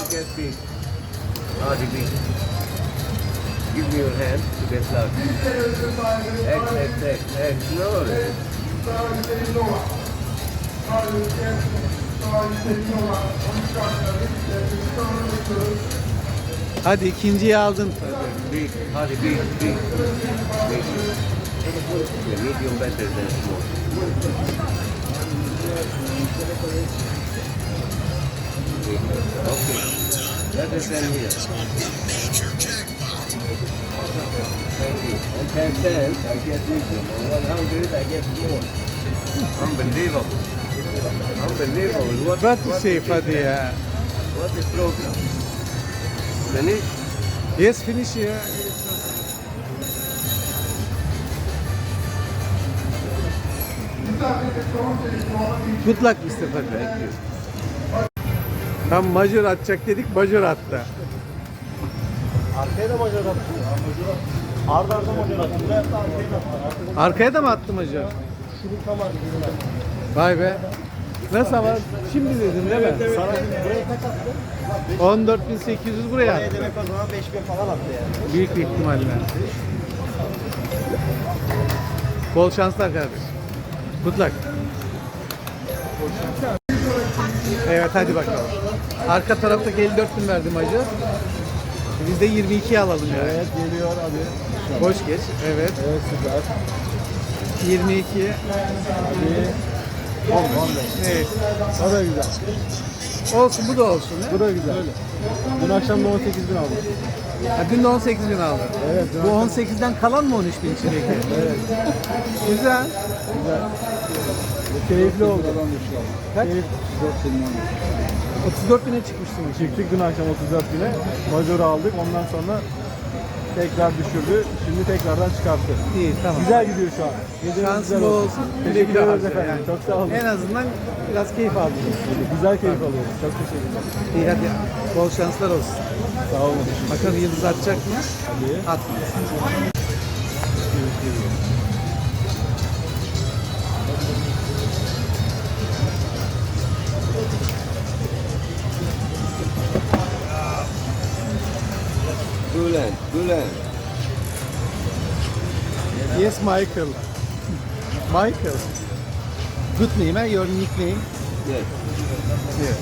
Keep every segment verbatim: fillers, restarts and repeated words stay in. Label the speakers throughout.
Speaker 1: get big. Hadi big. Give me your hand to get luck. X, X, X, X. No.
Speaker 2: Hadi ikinciyi aldın.
Speaker 1: Big. Hadi big, big. Big. Yeah, medium better than small. Big. Okay. Let us end here. Thank you. On ten cents, I get medium. On one hundred, I get small. Unbelievable. Unbelievable. What,
Speaker 2: What
Speaker 1: what
Speaker 2: safe
Speaker 1: is
Speaker 2: hadi
Speaker 1: this?
Speaker 2: ya.
Speaker 1: What is program? Finish?
Speaker 2: Yes finish ya. Good luck mister Fatih.
Speaker 1: Thank you.
Speaker 2: Tam majör atacak dedik, majör attı.
Speaker 3: Arkaya da majör attı. Arda arda majör attı. Buraya attı, arkaya da attı.
Speaker 2: Arkaya da mı attı majör?
Speaker 3: Şunu tam arkaya.
Speaker 2: Vay be. Nasıl ama? Şimdi dedin değil mi?
Speaker 3: Sana buraya kaç attı?
Speaker 2: on dört bin sekiz yüz buraya
Speaker 3: Buraya
Speaker 2: attı.
Speaker 3: demek o zaman beş bin falan attı yani.
Speaker 2: Büyük bir ihtimalle. Bol şanslar kardeş. Good luck. Evet hadi bakalım. Arka taraftaki elli dört bin verdi majör. Biz de yirmi ikiyi alalım yani.
Speaker 3: Evet geliyor abi.
Speaker 2: Boş geç. Evet.
Speaker 3: Evet süper.
Speaker 2: yirmi iki.
Speaker 3: Hadi. on, on beş.
Speaker 2: Evet.
Speaker 3: O da güzel.
Speaker 2: Olsun bu da olsun. He?
Speaker 3: Bu da güzel. Dün akşam da on sekiz bin aldım.
Speaker 2: Ha, dün de on sekiz bin aldı.
Speaker 3: Evet,
Speaker 2: Bu on sekizden kalan mı on üç bin içindeki?
Speaker 3: Evet.
Speaker 2: Güzel.
Speaker 3: Güzel. Keyifli oldu.
Speaker 2: Kaç?
Speaker 3: Keyif dört bin oldu.
Speaker 2: otuz dört bine çıkmışsın.
Speaker 3: Çıktık dün akşam otuz dört bine. Majörü aldık. Ondan sonra tekrar düşürdü. Şimdi tekrardan çıkarttı.
Speaker 2: İyi tamam.
Speaker 3: Güzel gidiyor şu an. Geceniz
Speaker 2: Şansın
Speaker 3: güzel
Speaker 2: bol olsun. Güle
Speaker 3: Teşekkür
Speaker 2: güle
Speaker 3: ederiz
Speaker 2: harca
Speaker 3: efendim.
Speaker 2: yani.
Speaker 3: Çok sağ olun.
Speaker 2: En azından biraz keyif aldın.
Speaker 3: Güzel keyif alıyoruz. Çok teşekkür ederim.
Speaker 2: İyi hadi. Bol şanslar olsun.
Speaker 3: Sağ olun.
Speaker 2: Bakalım yıldız atacak mı?
Speaker 3: Hadi.
Speaker 2: Atmaz.
Speaker 1: Bülent, Bülent.
Speaker 2: Yes Michael. Michael. Good name, eh? Your nickname.
Speaker 1: Yes.
Speaker 2: Yeah.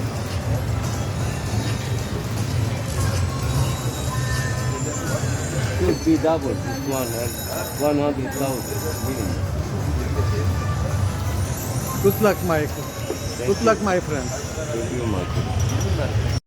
Speaker 1: Could be double this one and one hundred thousand minimum.
Speaker 2: Good luck Michael. Good luck my friend.
Speaker 1: Thank you, Michael.